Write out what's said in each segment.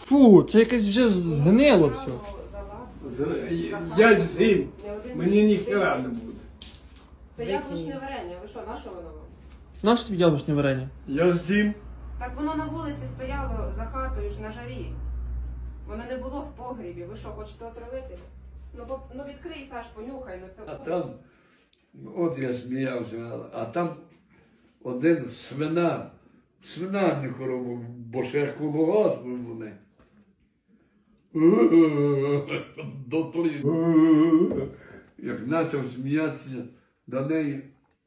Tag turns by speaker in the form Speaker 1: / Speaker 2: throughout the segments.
Speaker 1: Фу, це якесь вже згнило все.
Speaker 2: Я з'їм, мені ніхера не буде.
Speaker 3: Це яблучне варення. Ви що, на що воно вам?
Speaker 1: Нащо тобі яблучне варення?
Speaker 2: Я з'їм.
Speaker 3: Так воно на вулиці стояло за хатою ж на жарі. Воно не було в погрібі. Ви що, хочете отравити? Ну відкрий, Саш, понюхай. Ну
Speaker 4: А
Speaker 3: це...
Speaker 4: там, от я сміявся, а там один свинарник робив, бо ще колгосп вони. Дотлі. Як почав сміятися до неї,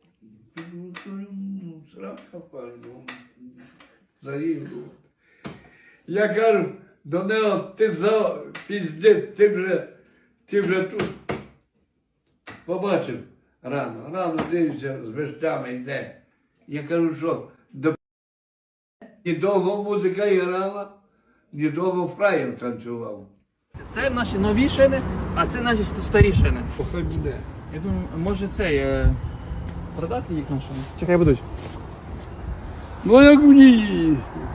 Speaker 4: срака пальну, заїду. Я кажу до нього, ти піздець, ти вже тут. Побачив рано дивився, з вещами йде. Я кажу, що ні довго музика грала, ні довго фраєр танцював.
Speaker 1: Це наші нові шини, а це наші старі шини.
Speaker 4: Хай буде.
Speaker 1: Я думаю, може цей продати їх на шини? Чекай, будуть.
Speaker 4: Ну як мені?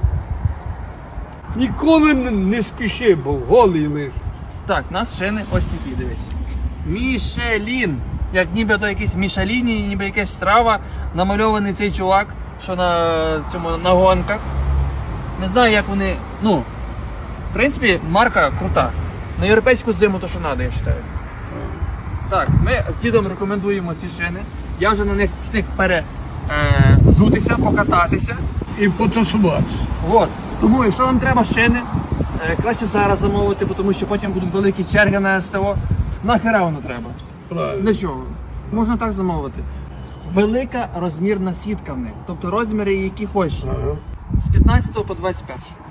Speaker 4: Ніколи не спіши, бо голий лиш.
Speaker 1: Так, у нас шини ось такі, дивись. Мішелін. Як нібито якийсь Мішеліні, ніби якась страва. Намальований цей чувак, що на гонках. Не знаю, як вони. Ну, в принципі, марка крута. На європейську зиму то, що треба, я вважаю. Так, ми з дідом рекомендуємо ці шини. Я вже на них встиг взутися, покататися.
Speaker 4: І потусуватися.
Speaker 1: От. Тому, якщо вам треба шини, краще зараз замовити, тому що потім будуть великі черги на СТО. Нахера воно треба?
Speaker 4: Правильно.
Speaker 1: Для чого? Можна так замовити. Велика розмірна сітка в них. Тобто розміри, які хочеш.
Speaker 4: Ага.
Speaker 1: З 15 по 21.